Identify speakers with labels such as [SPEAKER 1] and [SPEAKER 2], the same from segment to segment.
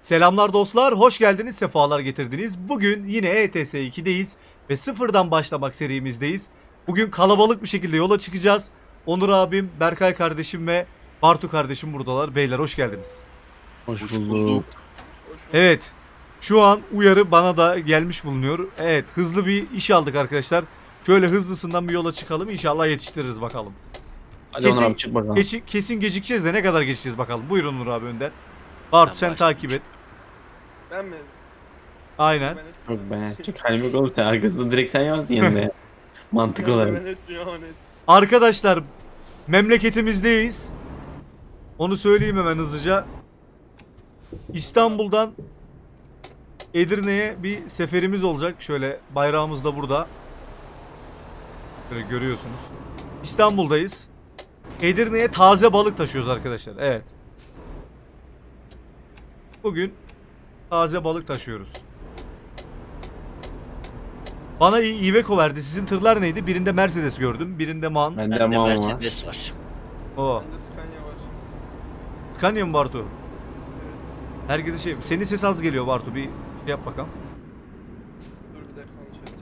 [SPEAKER 1] Selamlar dostlar, hoş geldiniz, sefalar getirdiniz. Bugün yine ETS 2'deyiz ve sıfırdan başlamak serimizdeyiz. Bugün kalabalık bir şekilde yola çıkacağız. Onur abim, Berkay kardeşim ve Bartu kardeşim buradalar. Beyler hoş geldiniz.
[SPEAKER 2] Hoş
[SPEAKER 3] Hoş
[SPEAKER 2] bulduk.
[SPEAKER 3] bulduk.
[SPEAKER 1] Evet, şu an uyarı bana da gelmiş bulunuyor. Evet, hızlı bir iş aldık arkadaşlar. Şöyle hızlısından bir yola çıkalım, İnşallah yetiştiririz bakalım.
[SPEAKER 2] Hadi
[SPEAKER 1] Kesin-
[SPEAKER 2] Onur abi çık bakalım.
[SPEAKER 1] Kesin gecikeceğiz de ne kadar geçeceğiz bakalım. Buyurun Onur abi önden. Bartu
[SPEAKER 3] Ben
[SPEAKER 1] sen takip et.
[SPEAKER 4] Ben mi?
[SPEAKER 1] Aynen.
[SPEAKER 2] Yok ben çık halim yok oğlum sen arkasında direkt sen yansın yanında ya. Mantık olarak.
[SPEAKER 4] Ben etmiyorum ama net.
[SPEAKER 1] Arkadaşlar memleketimizdeyiz. Onu söyleyeyim hemen hızlıca. İstanbul'dan Edirne'ye bir seferimiz olacak. Şöyle bayrağımız da burada. Böyle görüyorsunuz. İstanbul'dayız. Edirne'ye taze balık taşıyoruz arkadaşlar. Evet. Bugün taze balık taşıyoruz. Bana Iveco verdi. Sizin tırlar neydi? Birinde Mercedes gördüm. Birinde MAN.
[SPEAKER 2] Bende
[SPEAKER 3] Bende
[SPEAKER 2] ama var.
[SPEAKER 3] Mercedes var.
[SPEAKER 1] O.
[SPEAKER 4] Bende Scania var.
[SPEAKER 1] Scania mı Bartu?
[SPEAKER 4] Evet.
[SPEAKER 1] Herkese şey... Senin ses az geliyor Bartu. Bir şey yap bakalım.
[SPEAKER 4] Dur bir dakika konuşacağız.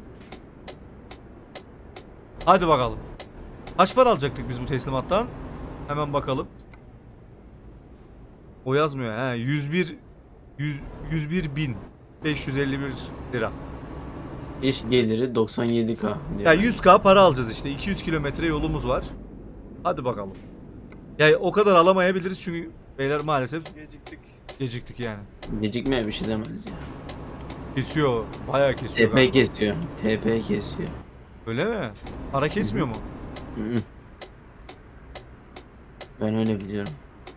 [SPEAKER 1] Hadi bakalım. Kaç para alacaktık biz bu teslimattan? Hemen bakalım. O yazmıyor. He, 101 bin 551 lira.
[SPEAKER 2] İş geliri 97k diyor.
[SPEAKER 1] Ya 100k para alacağız işte. 200 kilometre yolumuz var. Hadi bakalım. Ya o kadar alamayabiliriz çünkü beyler maalesef
[SPEAKER 4] Geciktik.
[SPEAKER 1] geciktik yani.
[SPEAKER 2] Gecikmeye bir şey demez ya.
[SPEAKER 1] Kesiyor. Bayağı kesiyor.
[SPEAKER 2] TP kesiyor. TP kesiyor.
[SPEAKER 1] Öyle mi? Para kesmiyor mu?
[SPEAKER 2] Hı hı. Ben öyle biliyorum.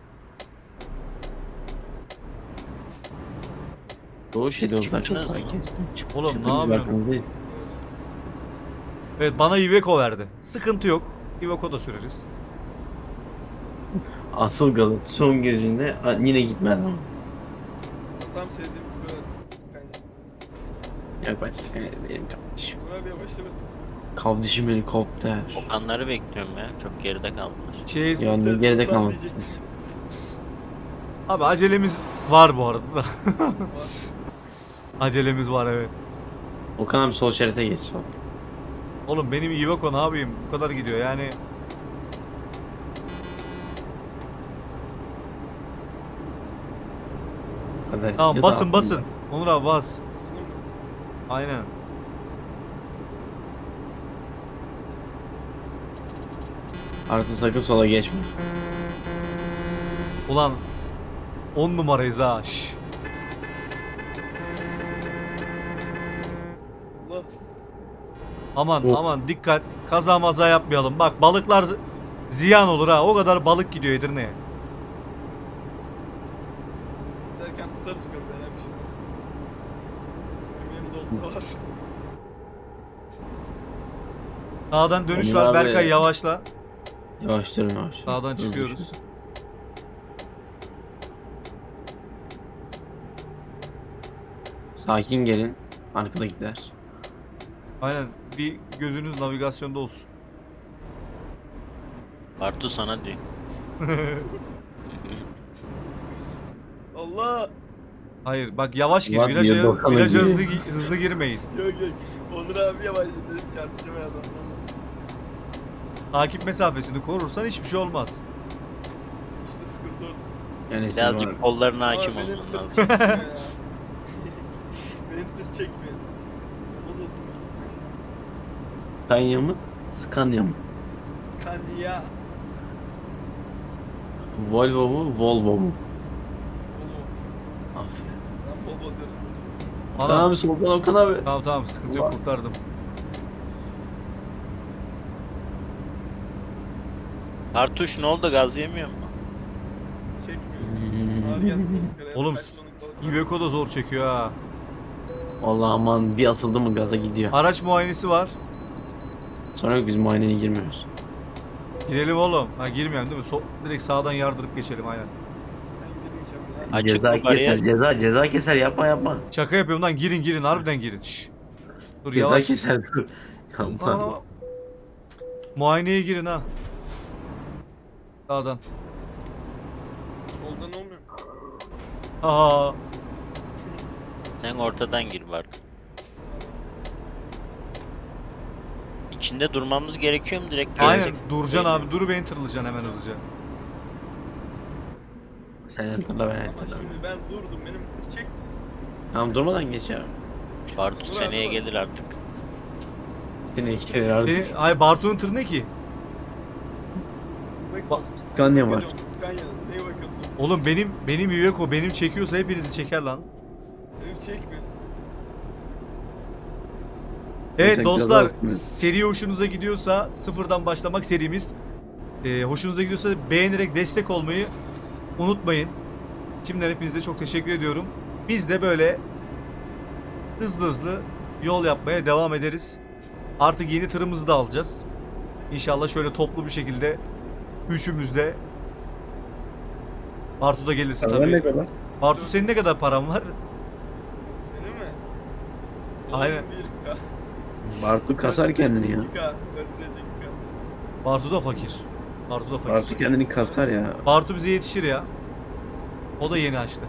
[SPEAKER 2] Doğu şey yollar çok
[SPEAKER 3] Çıktınız
[SPEAKER 2] para
[SPEAKER 3] mı?
[SPEAKER 2] kesmiyor.
[SPEAKER 1] Oğlum,
[SPEAKER 2] Çıktınız
[SPEAKER 1] ne yapıyorsun?
[SPEAKER 2] bakalım değil.
[SPEAKER 1] Evet, bana Iveco verdi. Sıkıntı yok. Iveco da süreriz.
[SPEAKER 2] Asıl Galat son gözünde yine gitmez ama.
[SPEAKER 4] Tam sevdiğim böyle Scania.
[SPEAKER 2] Yok ben seni benim kardeşim.
[SPEAKER 4] Dur abi yavaşlama.
[SPEAKER 2] Kardeşim helikopter.
[SPEAKER 3] Okanları bekliyorum ya. Çok geride kaldılar.
[SPEAKER 1] Şey,
[SPEAKER 2] Ya ne geride
[SPEAKER 4] Ulan
[SPEAKER 2] kalmadı.
[SPEAKER 4] diyecektim.
[SPEAKER 1] abi acelemiz var bu arada da.
[SPEAKER 4] Var.
[SPEAKER 1] Acelemiz var, evet.
[SPEAKER 2] Okan abi sol şerite geç sol.
[SPEAKER 1] Oğlum benim Iveco ne yapayım? Bu kadar gidiyor yani.
[SPEAKER 2] Kadar
[SPEAKER 1] Tamam,
[SPEAKER 2] gidiyor da
[SPEAKER 1] basın
[SPEAKER 2] aklımda.
[SPEAKER 1] basın. Onur abi bas.
[SPEAKER 4] Sunum mu?
[SPEAKER 1] Aynen.
[SPEAKER 2] Artı sakın sola geçme.
[SPEAKER 1] Ulan 10 numarayız ha. Şş.
[SPEAKER 4] Allah.
[SPEAKER 1] Aman
[SPEAKER 2] Oh.
[SPEAKER 1] aman dikkat. Kaza maza yapmayalım. Bak balıklar ziyan olur ha. O kadar balık gidiyor Edirne'ye.
[SPEAKER 4] Derken tutarız köprüden ya bir şey olmaz. Benim yanımda oldu da var.
[SPEAKER 1] Sağdan dönüş
[SPEAKER 2] Onur
[SPEAKER 1] var.
[SPEAKER 2] abi.
[SPEAKER 1] Berkay yavaşla.
[SPEAKER 2] Yavaş durun yavaş.
[SPEAKER 1] Sağdan
[SPEAKER 2] Hızlı
[SPEAKER 1] çıkıyoruz.
[SPEAKER 2] şu. Sakin gelin. Arkadakiler.
[SPEAKER 1] Aynen. Bir gözünüz navigasyonda olsun.
[SPEAKER 3] Bartu sana diyor.
[SPEAKER 4] Allah.
[SPEAKER 1] Hayır bak yavaş gir.
[SPEAKER 2] Ulan
[SPEAKER 1] Viraja,
[SPEAKER 2] diyor, bakalım
[SPEAKER 1] viraja
[SPEAKER 2] diyor.
[SPEAKER 1] hızlı girmeyin.
[SPEAKER 4] Yok yok. Onur abi yavaşladı dedim çarpacağım ya adamdan.
[SPEAKER 1] Takip mesafesini korursan hiçbir şey olmaz.
[SPEAKER 4] İşte sıkıntı orada.
[SPEAKER 2] Yani siz
[SPEAKER 3] Birazcık
[SPEAKER 2] var.
[SPEAKER 3] kollarına
[SPEAKER 4] Ama
[SPEAKER 3] hakim
[SPEAKER 4] benim
[SPEAKER 3] olman
[SPEAKER 4] tır
[SPEAKER 3] lazım.
[SPEAKER 4] çekmiyor ya. Benim tır çekmiyor. Olmaz olsun bir Scania.
[SPEAKER 2] Scania mı? Scania mı?
[SPEAKER 4] Scania.
[SPEAKER 2] Volvo mu? Volvo mu?
[SPEAKER 4] Volvo.
[SPEAKER 2] Aferin.
[SPEAKER 4] Ben Volvo diyorum.
[SPEAKER 2] Okan
[SPEAKER 1] Anam.
[SPEAKER 2] abi soldan Okan abi.
[SPEAKER 1] Tamam tamam, sıkıntı yok,
[SPEAKER 2] Ulan.
[SPEAKER 1] kurtardım.
[SPEAKER 3] Bartuş ne oldu, gaz yemiyor mu?
[SPEAKER 4] Çekmiyor. Abi geldi balık.
[SPEAKER 1] Oğlum,
[SPEAKER 4] Kaç tonluk balık var?
[SPEAKER 1] Iveco da zor çekiyor ha.
[SPEAKER 2] Vallahi aman bir asıldı mı gaza gidiyor.
[SPEAKER 1] Araç muayenesi var.
[SPEAKER 2] Sonra yok biz muayeneye girmiyoruz.
[SPEAKER 1] Girelim oğlum. Ha, girmeyelim değil mi? Direkt sağdan yardırıp geçelim aynen.
[SPEAKER 4] Ben girmeyeceğim ya.
[SPEAKER 3] Açık
[SPEAKER 2] Ceza
[SPEAKER 3] mı bariyer?
[SPEAKER 2] keser ceza keser yapma.
[SPEAKER 1] Şaka yapıyorum lan, girin harbiden girin. Şş. Dur
[SPEAKER 2] Ceza
[SPEAKER 1] yavaş.
[SPEAKER 2] keser dur. Yapma.
[SPEAKER 1] Aa, muayeneye girin ha. Sağdan.
[SPEAKER 4] Soldan olmuyor.
[SPEAKER 1] Aa,
[SPEAKER 3] Sen ortadan gir Bartu. İçinde durmamız gerekiyor mu direkt
[SPEAKER 1] aynen
[SPEAKER 3] gezecek?
[SPEAKER 1] duracaksın
[SPEAKER 3] Değil mi?
[SPEAKER 1] abi. Durup beni tırlayacaksın hemen hızlıca.
[SPEAKER 2] Sen hatırla ben
[SPEAKER 4] Ama
[SPEAKER 2] hatırla.
[SPEAKER 4] şimdi ben durdum. Benim tır çek misin?
[SPEAKER 2] Tamam durmadan geç ya.
[SPEAKER 3] Bartu
[SPEAKER 4] Dur
[SPEAKER 3] seneye
[SPEAKER 4] abi.
[SPEAKER 3] gelir artık.
[SPEAKER 2] Seni iki kere artık.
[SPEAKER 1] Ay Bartu'nun tırı ne ki?
[SPEAKER 4] Bak,
[SPEAKER 2] Scania var.
[SPEAKER 4] Scania. Neye bakıyorsun?
[SPEAKER 1] Oğlum benim Iveco benim çekiyorsa hepinizi çeker lan.
[SPEAKER 4] Benim çekme.
[SPEAKER 1] Evet
[SPEAKER 2] Sen
[SPEAKER 1] dostlar,
[SPEAKER 2] biraz az mı?
[SPEAKER 1] seri hoşunuza gidiyorsa sıfırdan başlamak serimiz. Hoşunuza gidiyorsa beğenerek destek olmayı unutmayın. Şimdiden hepinize çok teşekkür ediyorum. Biz de böyle hızlı hızlı yol yapmaya devam ederiz. Artık yeni tırımızı da alacağız. İnşallah şöyle toplu bir şekilde üçümüz de. Bartu da gelirse
[SPEAKER 2] Sen ne
[SPEAKER 1] tabii.
[SPEAKER 2] kadar?
[SPEAKER 1] Bartu senin ne kadar paran var?
[SPEAKER 4] Benim mi?
[SPEAKER 1] Aynen.
[SPEAKER 4] 1K.
[SPEAKER 2] Bartu kasar kendini ya.
[SPEAKER 4] 2K. 452K.
[SPEAKER 1] Bartu da fakir. Bartu da fakir.
[SPEAKER 2] Bartu kendini kasar ya.
[SPEAKER 1] Bartu bize yetişir ya. O da yeni açtı.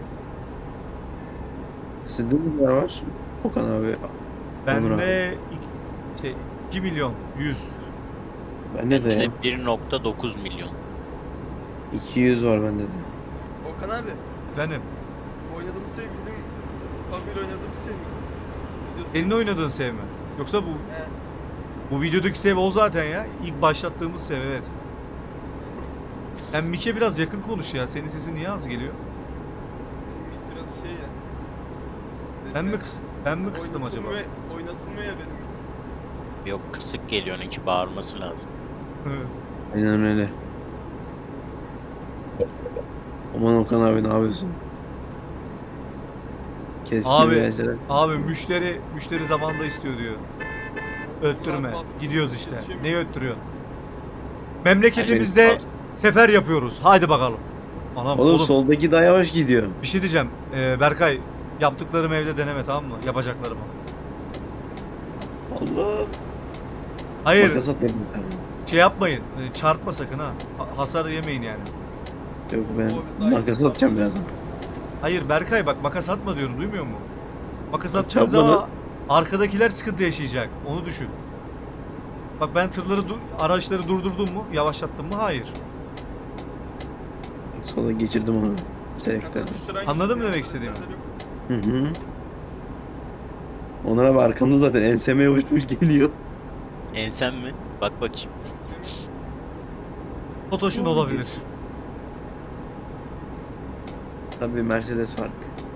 [SPEAKER 2] Sizde ne var? Okan abi. Onur
[SPEAKER 1] Bende
[SPEAKER 2] abi.
[SPEAKER 1] işte 2 milyon 100.
[SPEAKER 2] Bende de
[SPEAKER 3] Bende
[SPEAKER 2] ya.
[SPEAKER 3] de 1.9 milyon.
[SPEAKER 2] 200 var bende de.
[SPEAKER 4] Okan abi.
[SPEAKER 1] Efendim
[SPEAKER 4] Oynadığımız sev bizim Pavel oynadığımız sev mi? Biliyorsun.
[SPEAKER 1] senin oynadığın sev mi? Yoksa
[SPEAKER 4] He.
[SPEAKER 1] bu videodaki sev o zaten ya. İlk başlattığımız sev evet. Hem Mike biraz yakın konuş ya. Senin sesin niye az geliyor?
[SPEAKER 4] Benim biraz şey ya.
[SPEAKER 1] Ben mi kıstım acaba?
[SPEAKER 4] Oynatılmıyor ya benim.
[SPEAKER 3] Yok kısık geliyor onunki bağırması lazım.
[SPEAKER 1] Hı.
[SPEAKER 2] Aynen öyle. Aman Okan abi ne yapıyorsun? Keskin
[SPEAKER 1] Abi,
[SPEAKER 2] virajlara.
[SPEAKER 1] Abi müşteri zamanında istiyor diyor. Öttürme. Gidiyoruz işte. Neyi öttürüyorsun? Memleketimizde sefer yapıyoruz. Haydi bakalım. Anam
[SPEAKER 2] Oğlum,
[SPEAKER 1] oğlum
[SPEAKER 2] soldaki daha yavaş gidiyor.
[SPEAKER 1] bir şey diyeceğim. Berkay yaptıklarımı evde deneme tamam mı? Yapacaklarımı.
[SPEAKER 2] Allah.
[SPEAKER 1] Hayır
[SPEAKER 2] Makas atladım.
[SPEAKER 1] şey yapmayın. Çarpma sakın ha. Hasar yemeyin yani.
[SPEAKER 2] Yok
[SPEAKER 4] Oo,
[SPEAKER 2] ben
[SPEAKER 4] biz daha
[SPEAKER 2] makas
[SPEAKER 4] iyi.
[SPEAKER 2] atacağım birazdan.
[SPEAKER 1] Hayır Berkay bak makas atma diyorum duymuyor musun? Makas attığın
[SPEAKER 2] Çarpma
[SPEAKER 1] zaman
[SPEAKER 2] lan.
[SPEAKER 1] arkadakiler sıkıntı yaşayacak. Onu düşün. Bak ben araçları durdurdum mu? Yavaşlattım mı? Hayır.
[SPEAKER 2] Sola geçirdim onu. Selektörden.
[SPEAKER 1] Anladın mı demek istediğimi?
[SPEAKER 2] Hı hı. Onur abi arkamda zaten enseme uçmuş geliyor.
[SPEAKER 3] Ensem mi? Bak bakayım.
[SPEAKER 1] Totoş'un olabilir.
[SPEAKER 2] Tabii Mercedes fark.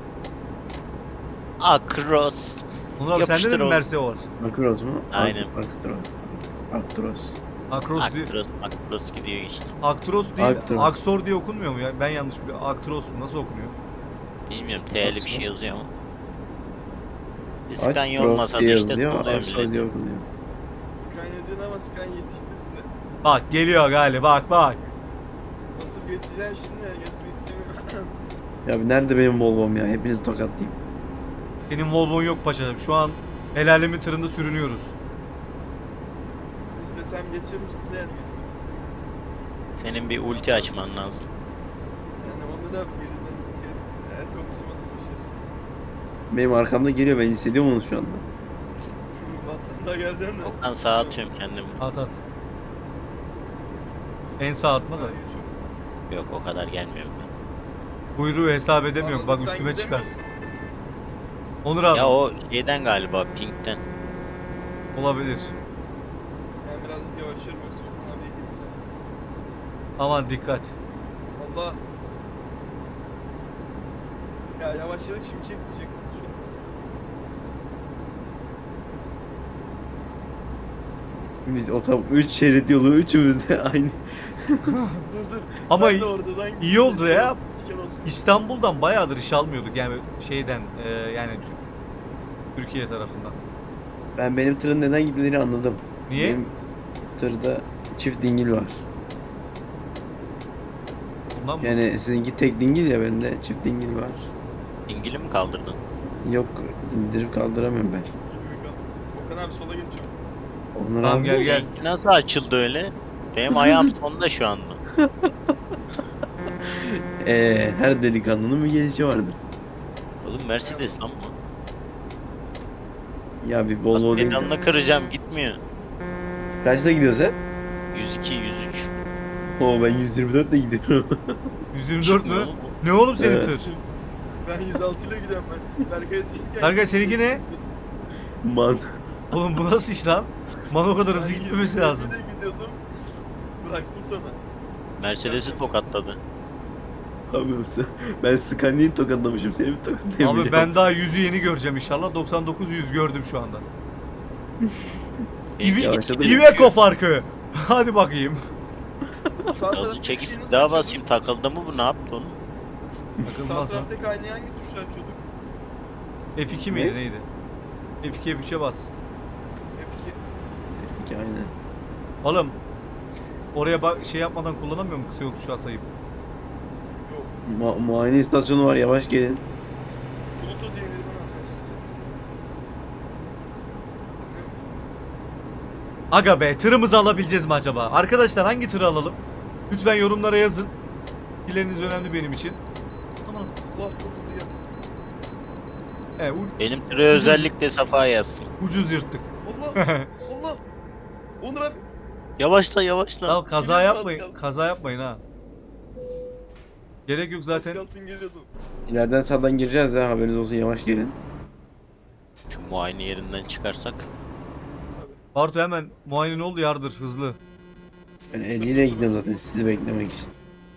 [SPEAKER 3] Akros.
[SPEAKER 1] Onur abi sende de
[SPEAKER 3] Yapıştır
[SPEAKER 1] mi
[SPEAKER 3] oğlum.
[SPEAKER 1] Merse var?
[SPEAKER 2] Actros mu?
[SPEAKER 3] Aynen.
[SPEAKER 2] Actros. Actros.
[SPEAKER 1] Akros değil.
[SPEAKER 3] Akros gidiyor işte.
[SPEAKER 1] Aktros değil.
[SPEAKER 2] Aktros.
[SPEAKER 1] Aksor diye okunmuyor mu ya? Ben yanlış biliyorum. Aktros mu? Nasıl okunuyor?
[SPEAKER 3] Bilmiyorum T'li bir
[SPEAKER 2] Aksos.
[SPEAKER 3] şey yazıyor ama. İskanya
[SPEAKER 2] Actros
[SPEAKER 3] olmasa da
[SPEAKER 2] diye
[SPEAKER 3] işte
[SPEAKER 2] yazılıyor,
[SPEAKER 3] tanıyor
[SPEAKER 2] Actros
[SPEAKER 3] millet.
[SPEAKER 2] diye okunuyor.
[SPEAKER 4] Scania diyorsun ama Scania yetişti size.
[SPEAKER 1] Bak geliyor galiba bak.
[SPEAKER 4] Nasıl geçeceğim şimdi ya? Geçmek istemiyorum.
[SPEAKER 2] Ya bir nerede benim Volvo'm ya? Hepinizi tokatlayayım.
[SPEAKER 1] Benim Volvo'n yok paşam. Şu an el alemin tırında sürünüyoruz.
[SPEAKER 4] İstesem geçerim siz de yani geçmek istemiyorum.
[SPEAKER 3] Senin bir ulti açman lazım.
[SPEAKER 4] Yani onu da geriden eğer konuşamadım bir şey.
[SPEAKER 2] Benim arkamda geliyor, ben hissediyorum onu şu anda.
[SPEAKER 4] Aslında geleceğim de.
[SPEAKER 3] Okan sağa atıyorum kendimi.
[SPEAKER 1] At at. En sağ atma da.
[SPEAKER 4] Scania çok-
[SPEAKER 3] Yok o kadar gelmiyorum ben.
[SPEAKER 1] Kuyruğu hesap edemiyorum. Bak
[SPEAKER 4] Anladım, ben
[SPEAKER 1] üstüme
[SPEAKER 4] gidemem.
[SPEAKER 1] çıkarsın. Onur abi
[SPEAKER 3] Ya o şeyden galiba Pink'ten.
[SPEAKER 1] olabilir.
[SPEAKER 4] Ben birazcık yavaşlıyorum yoksa Okan abiye gireceğim.
[SPEAKER 1] Aman dikkat.
[SPEAKER 4] Allah. Ya yavaşladık şimdi çekmeyecek. Sonrası.
[SPEAKER 2] Biz o tam 3 şerit yolu üçümüz de aynı.
[SPEAKER 4] Dur.
[SPEAKER 1] Ama
[SPEAKER 4] Ben de oradan
[SPEAKER 1] iyi oldu ya.
[SPEAKER 4] Üçgen olsun.
[SPEAKER 1] İstanbul'dan bayağıdır iş almıyorduk yani şeyden yani Türkiye tarafından.
[SPEAKER 2] Benim tırın neden gitmediğini anladım.
[SPEAKER 1] Niye?
[SPEAKER 2] Benim tırda çift dingil var.
[SPEAKER 1] Ondan mı?
[SPEAKER 2] Yani sizinki tek dingil ya, bende çift dingil var.
[SPEAKER 3] İngil'i mi kaldırdın?
[SPEAKER 2] Yok, indirip kaldıramıyorum ben.
[SPEAKER 4] Okan abi sola geçiyorum.
[SPEAKER 2] Onur
[SPEAKER 1] Tamam,
[SPEAKER 2] abi
[SPEAKER 1] gel.
[SPEAKER 3] Seninki nasıl açıldı öyle? Benim ayağım sonda şu anda.
[SPEAKER 2] her delikanlının bir gelişi vardır.
[SPEAKER 3] Oğlum Mercedes lan bu.
[SPEAKER 2] Ya bir Volvo
[SPEAKER 3] Bas
[SPEAKER 2] değil.
[SPEAKER 3] pedalına kıracağım gitmiyor.
[SPEAKER 2] Kaçta gidiyorsun sen?
[SPEAKER 3] 102, 103.
[SPEAKER 2] Oo ben 124 ile gidiyorum.
[SPEAKER 1] 124
[SPEAKER 3] Çıkmıyor
[SPEAKER 1] mü?
[SPEAKER 3] oğlum bu.
[SPEAKER 1] Ne oğlum senin
[SPEAKER 2] Evet.
[SPEAKER 1] tır?
[SPEAKER 4] Ben 106 ile gidiyorum ben. Berkay'a düşürken.
[SPEAKER 1] Berkay, seninki ne?
[SPEAKER 2] Man.
[SPEAKER 1] Oğlum bu nasıl iş lan? Man o kadar hızlı
[SPEAKER 4] Ben
[SPEAKER 1] gitmemesi
[SPEAKER 4] 127
[SPEAKER 1] lazım.
[SPEAKER 4] ile gidiyordum. Bıraktım sana.
[SPEAKER 3] Mercedes'i tokatladı.
[SPEAKER 2] Abi ben Scania'yı tokatlamışım. Seni mi tokatlayamayacağım?
[SPEAKER 1] Abi ben daha 100'ü yeni göreceğim inşallah. 99 100 gördüm şu anda.
[SPEAKER 3] Benimki
[SPEAKER 2] yavaşladı
[SPEAKER 3] gitgide
[SPEAKER 2] mı?
[SPEAKER 1] Iveco
[SPEAKER 3] düşüyor.
[SPEAKER 1] farkı. Hadi bakayım.
[SPEAKER 4] Sağ
[SPEAKER 3] Gazı
[SPEAKER 4] taraftaki
[SPEAKER 3] çekip
[SPEAKER 4] şeyi nasıl
[SPEAKER 3] daha
[SPEAKER 4] açıyorduk?
[SPEAKER 3] basayım takıldı mı bu ne yaptı onu?
[SPEAKER 4] Sağ
[SPEAKER 1] Takılmaz lan.
[SPEAKER 4] taraftaki aynayı hangi tuşla açıyorduk?
[SPEAKER 1] F2 miydi neydi? F2 F3'e bas.
[SPEAKER 4] F2.
[SPEAKER 2] Aynen.
[SPEAKER 1] Oğlum oraya bak şey yapmadan kullanamıyor mu kısa yol tuşu atayım?
[SPEAKER 4] Yok.
[SPEAKER 2] Muayene istasyonu var, yavaş gelin.
[SPEAKER 4] Pluto diye biri bana arkadaşlar.
[SPEAKER 1] Aga be, tırımızı alabileceğiz mi acaba? Arkadaşlar hangi tırı alalım? Lütfen yorumlara yazın. Fikirleriniz önemli benim için. Aman.
[SPEAKER 4] Allah çok hızlı ya.
[SPEAKER 1] He,
[SPEAKER 3] Benim türe özellikle Safa yazsın.
[SPEAKER 1] ucuz yırttık.
[SPEAKER 4] Allah Allah. Onur abi.
[SPEAKER 3] Yavaşla yavaşla.
[SPEAKER 1] Ya kaza
[SPEAKER 4] Gidiyoruz, az
[SPEAKER 1] yapmayın.
[SPEAKER 4] kaldı.
[SPEAKER 1] Kaza yapmayın ha. Gerek yok zaten.
[SPEAKER 4] Kalsın geliyordum.
[SPEAKER 2] İleriden sağdan gireceğiz ya, haberiniz olsun, yavaş gelin.
[SPEAKER 3] Şu muayene yerinden çıkarsak.
[SPEAKER 1] Bartu hemen muayene oldu, yardır hızlı.
[SPEAKER 2] Ben 50 ile gidiyorum zaten sizi beklemek için.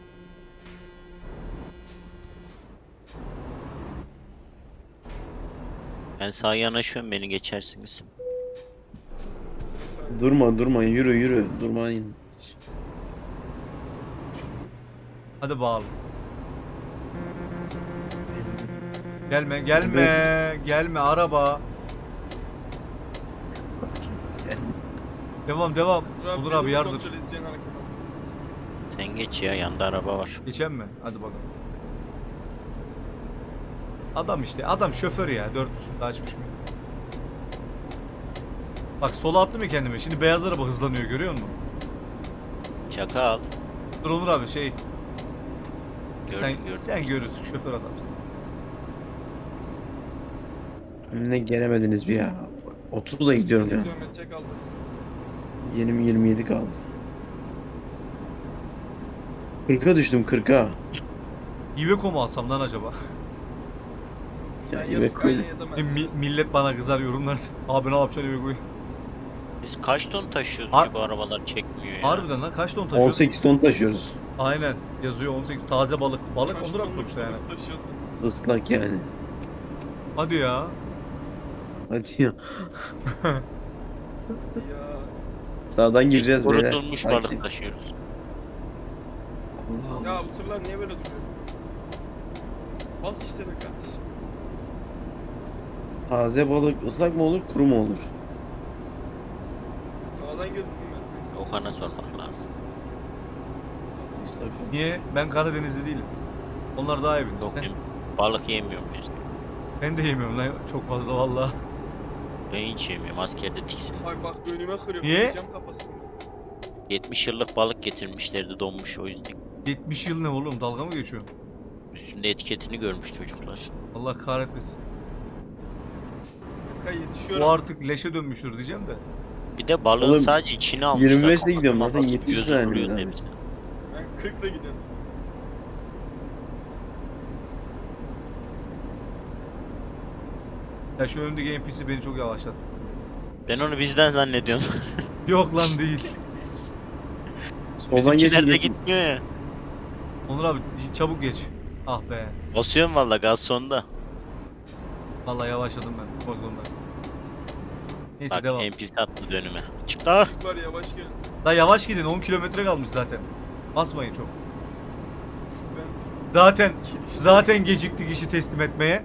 [SPEAKER 3] Ben sağa yanaşıyorum beni geçersiniz.
[SPEAKER 2] Durma yürü durmayın.
[SPEAKER 1] Hadi bağlı. Gelme araba. Devam. Onur abi
[SPEAKER 4] beni
[SPEAKER 1] yardır.
[SPEAKER 4] kontrol edeceksin arkadan.
[SPEAKER 3] Sen geç ya yanda araba var.
[SPEAKER 1] Geçen mi? Hadi bakalım. Adam işte. Adam şoför ya. Dörtlüsünü de açmış mı? Bak sola attım ya kendime. Şimdi beyaz araba hızlanıyor, görüyor musun?
[SPEAKER 3] Çakal.
[SPEAKER 1] Dur Onur abi şey.
[SPEAKER 3] Gördüm.
[SPEAKER 1] Sen görürsün, şoför adamsın.
[SPEAKER 2] Ne gelemediniz bir ya. 30'da gidiyorum ya.
[SPEAKER 4] Kilometre kaldı.
[SPEAKER 2] 27 kaldı. 40'a düştüm 40'a.
[SPEAKER 1] Iveco mu alsam lan acaba?
[SPEAKER 2] Ya
[SPEAKER 4] Ben ya
[SPEAKER 2] Iveco
[SPEAKER 4] Skyline ya da Mercedes.
[SPEAKER 1] Millet bana kızar yorumlarda. Abi ne yapacaksın Iveco'yu?
[SPEAKER 3] Biz kaç ton taşıyoruz
[SPEAKER 1] Har-
[SPEAKER 3] ki bu arabalar çekmiyor ya.
[SPEAKER 1] Harbiden lan kaç ton taşıyor?
[SPEAKER 2] 18 ton taşıyoruz.
[SPEAKER 1] Aynen yazıyor 18 taze balık. Balık
[SPEAKER 4] Kaç
[SPEAKER 1] Onur abi
[SPEAKER 4] tonluk
[SPEAKER 1] sonuçta yani.
[SPEAKER 4] balık taşıyorsun?
[SPEAKER 2] Islak yani.
[SPEAKER 1] Hadi ya.
[SPEAKER 2] Hadi ya.
[SPEAKER 4] Ya.
[SPEAKER 2] Sağdan gireceğiz beyler.
[SPEAKER 3] Kurutulmuş
[SPEAKER 2] Sakin.
[SPEAKER 3] balık taşıyoruz.
[SPEAKER 2] Allah Allah.
[SPEAKER 4] Ya bu tırlar niye böyle duruyor? Bas işte be kardeşim.
[SPEAKER 2] Taze balık ıslak mı olur, kuru mu olur?
[SPEAKER 4] Sağdan girdim ben.
[SPEAKER 3] Okan'a sormak lazım.
[SPEAKER 2] Islak.
[SPEAKER 1] Niye? Ben Karadenizli değilim. Onlar daha iyi bilir.
[SPEAKER 3] Yok
[SPEAKER 1] Sen,
[SPEAKER 3] benim balık yemiyorum işte.
[SPEAKER 1] ben de yemiyorum lan çok fazla valla.
[SPEAKER 3] Ben hiç yemiyorum. Askerde tiksin.
[SPEAKER 4] Bak önüme kırıyor.
[SPEAKER 1] Niye?
[SPEAKER 4] Kıracağım kafasını.
[SPEAKER 3] 70 yıllık balık getirmişlerdi donmuş o yüzden.
[SPEAKER 1] 70 yıl ne oğlum, dalga mı geçiyorsun?
[SPEAKER 3] Üstünde etiketini görmüş çocuklar.
[SPEAKER 1] Allah kahretmesin.
[SPEAKER 4] Berkay yetişiyorum.
[SPEAKER 1] O artık leşe dönmüştür diyeceğim de.
[SPEAKER 3] Bir de balığın
[SPEAKER 2] Oğlum,
[SPEAKER 3] sadece içini almışlar.
[SPEAKER 2] 25'le
[SPEAKER 3] kafasına
[SPEAKER 2] gidiyorum zaten,
[SPEAKER 3] kapatıp
[SPEAKER 2] 70
[SPEAKER 3] gözü
[SPEAKER 2] saniye
[SPEAKER 3] duruyor
[SPEAKER 2] zaten.
[SPEAKER 3] hepsi.
[SPEAKER 4] Ben 40'la gidiyorum.
[SPEAKER 1] Ya şu önümdeki NPC beni çok yavaşlattı.
[SPEAKER 3] Ben onu bizden zannediyorum.
[SPEAKER 1] Yok lan değil.
[SPEAKER 2] Soldan
[SPEAKER 3] Bizimkiler de
[SPEAKER 2] geçin.
[SPEAKER 3] gitmiyor ya.
[SPEAKER 1] Onur abi çabuk geç. Ah be.
[SPEAKER 3] Basıyorum valla gaz sonda.
[SPEAKER 1] Vallahi yavaşladım ben. Koy zorunda. Neyse
[SPEAKER 3] Bak
[SPEAKER 1] devam.
[SPEAKER 3] NPC attı dönüme. Çık daha.
[SPEAKER 4] Çocuk var yavaş gelin.
[SPEAKER 1] La yavaş gidin, 10 kilometre kalmış zaten. Basmayın çok.
[SPEAKER 4] Ben
[SPEAKER 1] Zaten geciktik işi teslim etmeye.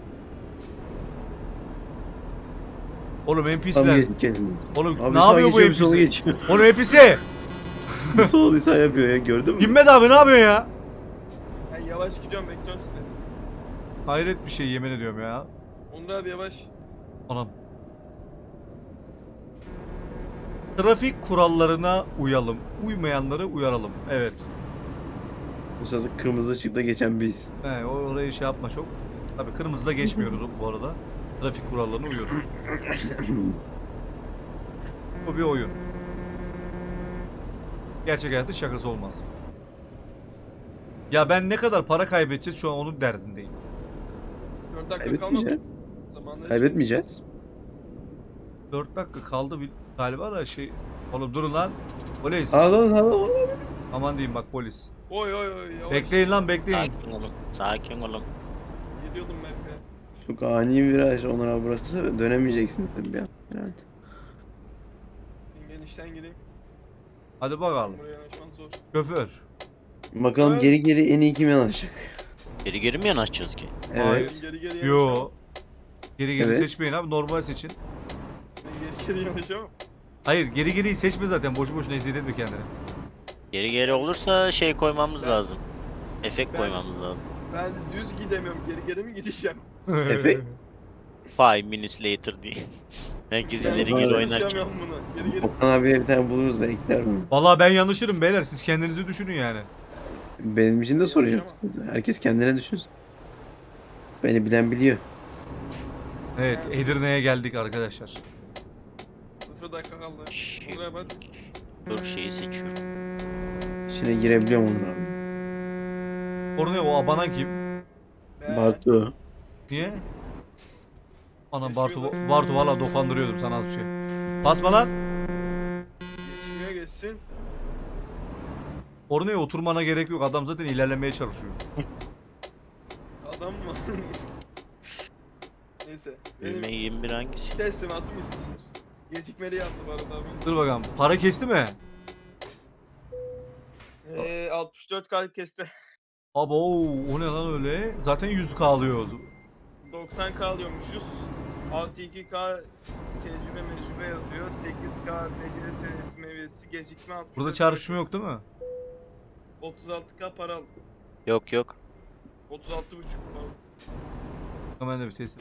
[SPEAKER 1] Oğlum
[SPEAKER 2] Tam
[SPEAKER 1] NPC'ler.
[SPEAKER 2] geçin kendiniz.
[SPEAKER 1] Oğlum
[SPEAKER 2] Abi
[SPEAKER 1] ne
[SPEAKER 2] sağa
[SPEAKER 1] yapıyor bu
[SPEAKER 2] geçiyor, bir sola
[SPEAKER 1] NPC?
[SPEAKER 2] geçiyor.
[SPEAKER 1] Oğlum NPC.
[SPEAKER 2] Bir sol bir sağ yapıyor ya, gördün mü?
[SPEAKER 1] Himmet abi ne yapıyor ya?
[SPEAKER 4] Ben yavaş gidiyorum bekliyorum sizi.
[SPEAKER 1] Hayret bir şey yemin ediyorum ya.
[SPEAKER 4] Onur abi yavaş.
[SPEAKER 1] Anam. Trafik kurallarına uyalım. Uymayanları uyaralım. Evet.
[SPEAKER 2] Bu sırada kırmızı ışıkta geçen biz.
[SPEAKER 1] He, orayı şey yapma çok. Tabii kırmızıda geçmiyoruz bu arada. Trafik kurallarına uyuyoruz. Bu bir oyun. Gerçek hayatta şakası olmaz. Ya ben ne kadar para kaybedeceğiz şu an onun derdindeyim.
[SPEAKER 4] 4 dakika kalmadı.
[SPEAKER 5] Kaybetmeyeceğiz.
[SPEAKER 4] Zamanla
[SPEAKER 5] Kaybetmeyeceğiz.
[SPEAKER 1] 4 dakika kaldı galiba da şey. Oğlum durun lan. Polis.
[SPEAKER 5] Al.
[SPEAKER 1] Aman diyeyim bak polis.
[SPEAKER 4] Oy yavaş.
[SPEAKER 1] Bekleyin lan bekleyin.
[SPEAKER 3] Sakin olun. Sakin olun.
[SPEAKER 4] Gidiyordum ben de.
[SPEAKER 5] Çok ani bir viraj Onur abi burası. Dönemeyeceksin tabii ya. Herhalde.
[SPEAKER 4] Genişten gireyim.
[SPEAKER 1] Hadi bakalım.
[SPEAKER 4] Buraya yanaşman zor.
[SPEAKER 1] Şoför.
[SPEAKER 5] Bakalım
[SPEAKER 4] Evet.
[SPEAKER 5] geri en iyi kim yanaşacak?
[SPEAKER 3] Geri mi yanaşacağız ki?
[SPEAKER 5] Evet.
[SPEAKER 1] Hayır.
[SPEAKER 4] Ben geri
[SPEAKER 1] Yo.
[SPEAKER 4] yanaşamam.
[SPEAKER 1] Geri
[SPEAKER 5] Evet.
[SPEAKER 1] seçmeyin abi, normal seçin.
[SPEAKER 4] Ben geri yanaşamam.
[SPEAKER 1] Hayır geriyi seçme zaten, boşu boşuna eziyet etme kendine.
[SPEAKER 3] Geri olursa şey koymamız
[SPEAKER 4] Ben-
[SPEAKER 3] lazım. Efekt
[SPEAKER 4] ben-
[SPEAKER 3] koymamız lazım.
[SPEAKER 4] Ben düz gidemiyorum. Geri mi gideceğim?
[SPEAKER 5] Efekt.
[SPEAKER 3] 5 minutes later diye. Herkes
[SPEAKER 4] Ben
[SPEAKER 3] ileri
[SPEAKER 5] geri
[SPEAKER 3] geri
[SPEAKER 5] oynarken.
[SPEAKER 3] oynarken.
[SPEAKER 4] Yaşayamıyorum bunu. Geri.
[SPEAKER 5] Okan abiye bir tane buluruz da ekler bunu.
[SPEAKER 1] Vallahi ben yanlışırım beyler, siz kendinizi düşünün yani.
[SPEAKER 5] Benim için de sorun yok. Herkes kendine düşünsün. Beni bilen biliyor.
[SPEAKER 1] Evet, Edirne'ye geldik arkadaşlar.
[SPEAKER 4] 0 dakika kaldı. Buraya bak.
[SPEAKER 3] Dur şeyi seçiyorum.
[SPEAKER 5] İçine girebiliyorum Onur abi.
[SPEAKER 1] Orada o abanan kim?
[SPEAKER 5] Batu.
[SPEAKER 1] Niye? Anam
[SPEAKER 4] Geçmiyorlar.
[SPEAKER 1] Bartu valla dokandırıyordum sana az bir şey. Basma lan.
[SPEAKER 4] Geçmiyor geçsin.
[SPEAKER 1] Oraya oturmana gerek yok, adam zaten ilerlemeye çalışıyor.
[SPEAKER 4] Adam mı? Neyse.
[SPEAKER 3] Düğme
[SPEAKER 4] Benim
[SPEAKER 3] 21 hangisi?
[SPEAKER 4] teslimatım bitmiştir. Gecikmeli yazdı bu arada abi.
[SPEAKER 1] Dur bakalım, para kesti mi?
[SPEAKER 4] 64 kalp kesti.
[SPEAKER 1] Abo o ne lan öyle? Zaten 100k alıyoruz.
[SPEAKER 4] 90k alıyormuşuz. 6-2k tecrübe yazıyor. 8k beceri seviyesi meyvesi gecikme 64
[SPEAKER 1] Burada çarpışma yok değil mi?
[SPEAKER 4] 36k para aldım.
[SPEAKER 3] Yok.
[SPEAKER 4] 36,5 pardon.
[SPEAKER 1] Hemen de bir test.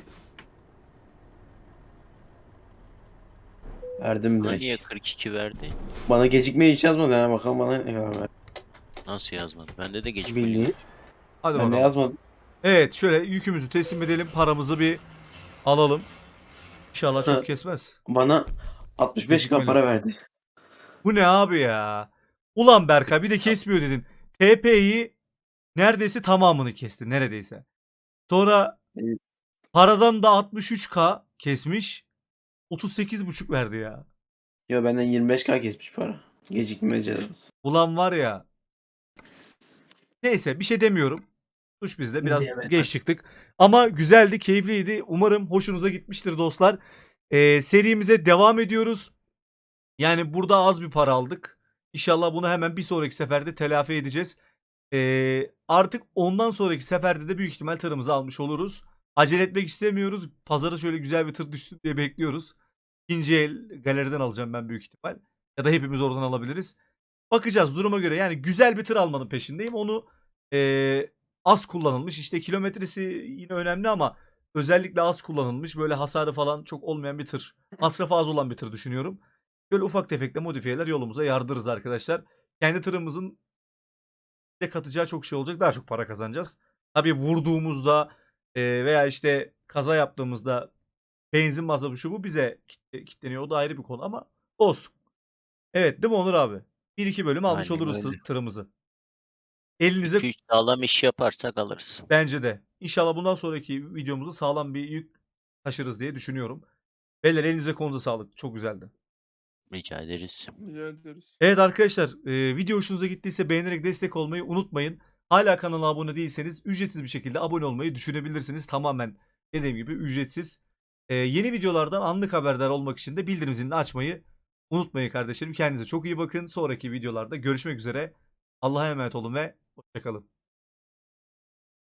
[SPEAKER 5] Verdim
[SPEAKER 3] Bana niye
[SPEAKER 5] direkt.
[SPEAKER 3] 42 verdi?
[SPEAKER 5] Bana gecikmeyi hiç yazmadı yani bakalım bana ne kadar verdi.
[SPEAKER 3] Nasıl yazmadı? Bende de geçmedi.
[SPEAKER 5] Bildiğin.
[SPEAKER 1] Hadi
[SPEAKER 5] Ben de
[SPEAKER 1] bakalım.
[SPEAKER 5] yazmadım.
[SPEAKER 1] Evet, şöyle yükümüzü teslim edelim, paramızı bir alalım. İnşallah çok
[SPEAKER 5] Ha.
[SPEAKER 1] kesmez.
[SPEAKER 5] Bana 65k
[SPEAKER 1] Gecikmeli.
[SPEAKER 5] para verdi.
[SPEAKER 1] Bu ne abi ya? Ulan Berkay bir de kesmiyor dedin. TP'yi neredeyse tamamını kesti, neredeyse. Sonra
[SPEAKER 5] Evet.
[SPEAKER 1] paradan da 63k kesmiş. 38,5 verdi ya.
[SPEAKER 5] Yo benden 25k kesmiş para. Gecikme cezası.
[SPEAKER 1] Ulan var ya. Neyse bir şey demiyorum. Suç bizde, biraz
[SPEAKER 5] Diyemem.
[SPEAKER 1] geç çıktık. Ama güzeldi, keyifliydi. Umarım hoşunuza gitmiştir dostlar. Serimize devam ediyoruz. Yani burada az bir para aldık. İnşallah bunu hemen bir sonraki seferde telafi edeceğiz. Artık ondan sonraki seferde de büyük ihtimal tırımızı almış oluruz. Acele etmek istemiyoruz. Pazara şöyle güzel bir tır düşsün diye bekliyoruz. İkinci el galeriden alacağım ben büyük ihtimal. Ya da hepimiz oradan alabiliriz. Bakacağız duruma göre. Yani güzel bir tır almanın peşindeyim. Onu az kullanılmış. İşte kilometresi yine önemli ama özellikle az kullanılmış. Böyle hasarı falan çok olmayan bir tır. Masrafı az olan bir tır düşünüyorum. Böyle ufak tefek de modifiyeler yolumuza yardırırız arkadaşlar. Kendi tırımızın de katacağı çok şey olacak. Daha çok para kazanacağız. Tabii vurduğumuzda veya işte kaza yaptığımızda benzin masrafı şu bu bize kitleniyor. O da ayrı bir konu ama olsun. Evet değil mi Onur abi? 1-2 bölüm almış
[SPEAKER 3] Aynen
[SPEAKER 1] oluruz
[SPEAKER 3] öyle.
[SPEAKER 1] tırımızı. Elinize
[SPEAKER 3] 2-3 sağlam iş yaparsak alırız.
[SPEAKER 1] bence de. İnşallah bundan sonraki videomuzda sağlam bir yük taşırız diye düşünüyorum. Beyler elinize konuda sağlık. Çok güzeldi.
[SPEAKER 3] Rica ederiz.
[SPEAKER 4] Rica ederiz.
[SPEAKER 1] Evet arkadaşlar, video hoşunuza gittiyse beğenerek destek olmayı unutmayın. Hala kanala abone değilseniz ücretsiz bir şekilde abone olmayı düşünebilirsiniz. Tamamen dediğim gibi ücretsiz. Yeni videolardan anlık haberdar olmak için de bildirim zilini açmayı unutmayın kardeşlerim. Kendinize çok iyi bakın. Sonraki videolarda görüşmek üzere. Allah'a emanet olun ve hoşçakalın.